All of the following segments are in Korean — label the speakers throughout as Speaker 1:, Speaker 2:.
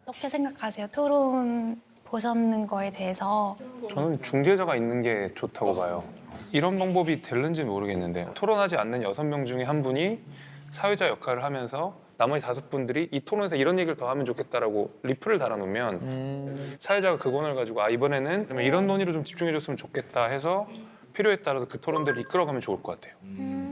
Speaker 1: 어떻게 생각하세요? 토론 보셨는 거에 대해서.
Speaker 2: 저는 중재자가 있는 게 좋다고 봐요. 이런 방법이 될는지 모르겠는데 토론하지 않는 6명 중에 한 분이 사회자 역할을 하면서 나머지 5분들이 이 토론에서 이런 얘기를 더 하면 좋겠다라고 리플을 달아놓으면 사회자가 그 권을 가지고 이번에는 그러면 이런 논의로 좀 집중해줬으면 좋겠다 해서 필요에 따라서 그 토론들을 이끌어가면 좋을 것 같아요.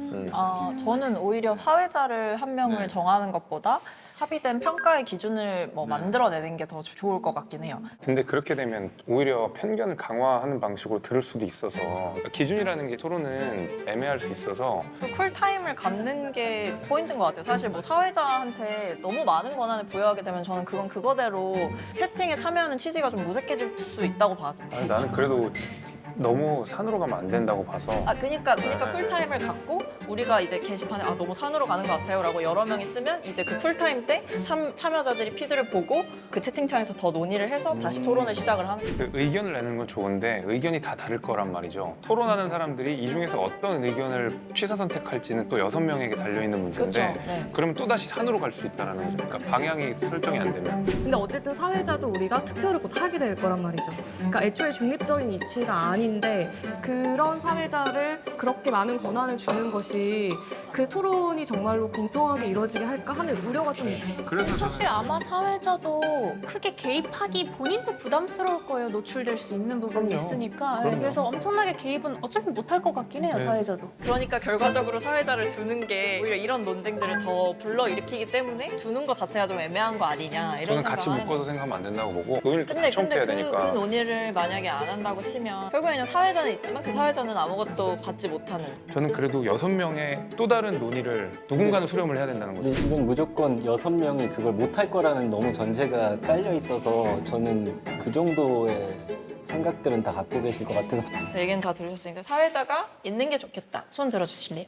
Speaker 3: 저는 오히려 사회자를 한 명을 정하는 것보다 합의된 평가의 기준을 만들어내는 게 더 좋을 것 같긴 해요.
Speaker 2: 근데 그렇게 되면 오히려 편견을 강화하는 방식으로 들을 수도 있어서 그러니까 기준이라는 게 토론은 애매할 수 있어서
Speaker 3: 쿨타임을 갖는 게 포인트인 것 같아요. 사실 사회자한테 너무 많은 권한을 부여하게 되면 저는 그건 그거대로 채팅에 참여하는 취지가 좀 무색해질 수 있다고 봤습니다.
Speaker 2: 아니, 나는 그래도 너무 산으로 가면 안 된다고 봐서
Speaker 3: 그러니까 쿨타임을 갖고 우리가 이제 게시판에 너무 산으로 가는 것 같아요라고 여러 명이 쓰면 이제 그 쿨타임 때 참여자들이 피드를 보고 그 채팅창에서 더 논의를 해서 다시 토론을 시작을 하는 거예요.
Speaker 2: 그 의견을 내는 건 좋은데 의견이 다 다를 거란 말이죠. 토론하는 사람들이 이 중에서 어떤 의견을 취사 선택할지는 또 6명에게 달려있는 문제인데
Speaker 3: 그렇죠. 네.
Speaker 2: 그러면 또다시 산으로 갈 수 있다는 거죠. 그러니까 방향이 설정이 안 되면
Speaker 4: 근데 어쨌든 사회자도 우리가 투표를 곧 하게 될 거란 말이죠. 그러니까 애초에 중립적인 위치가 아닌데 그런 사회자를 그렇게 많은 권한을 주는 것이 그 토론이 정말로 공평하게 이루어지게 할까 하는 우려가 좀 있어요.
Speaker 2: 그래서
Speaker 5: 사실 아마 사회자도 크게 개입하기 본인도 부담스러울 거예요. 노출될 수 있는 부분이
Speaker 2: 그럼요.
Speaker 5: 있으니까.
Speaker 2: 그럼요.
Speaker 5: 그래서 엄청나게 개입은 어차피 못할 것 같긴 해요,
Speaker 2: 네.
Speaker 5: 사회자도.
Speaker 3: 그러니까 결과적으로 사회자를 두는 게 오히려 이런 논쟁들을 더 불러일으키기 때문에 두는 것 자체가 좀 애매한 거 아니냐 이런
Speaker 2: 저는 같이
Speaker 3: 생각을 하는
Speaker 2: 묶어서 생각하면 안 된다고 보고 논의를 다
Speaker 3: 근데
Speaker 2: 청취해야
Speaker 3: 그
Speaker 2: 되니까
Speaker 3: 논의를 만약에 안 한다고 치면 결국에는 사회자는 있지만 그 사회자는 아무것도 받지 못하는
Speaker 2: 저는 그래도 6명의 또 다른 논의를 누군가는 수렴을 해야 된다는 거죠.
Speaker 6: 이건 무조건 6명이 그걸 못할 거라는 너무 전제가 깔려 있어서 저는 그 정도의 생각들은 다 갖고 계실 것 같아서
Speaker 3: 네, 얘기는 다 들으셨으니까 사회자가 있는 게 좋겠다. 손 들어주실래요?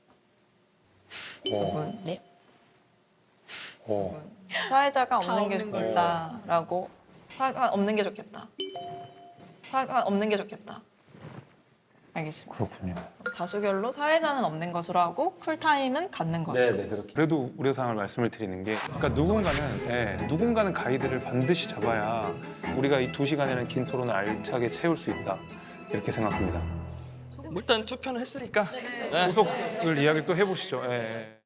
Speaker 3: 네.
Speaker 2: 오.
Speaker 3: 사회자가 없는 게 좋겠다라고 없는 게 좋겠다. 없는 게 좋겠다. 알겠습니다.
Speaker 2: 그렇군요.
Speaker 3: 다수결로 사회자는 없는 것으로 하고 쿨타임은 갖는 것으로.
Speaker 6: 네, 그렇게
Speaker 2: 그래도 우려사항을 말씀을 드리는 게 그러니까 누군가는 가이드를 반드시 잡아야 우리가 이 2시간이라는 긴 토론을 알차게 채울 수 있다 이렇게 생각합니다.
Speaker 7: 일단 투표는 했으니까
Speaker 2: 후속을 이야기 또 해보시죠. 예.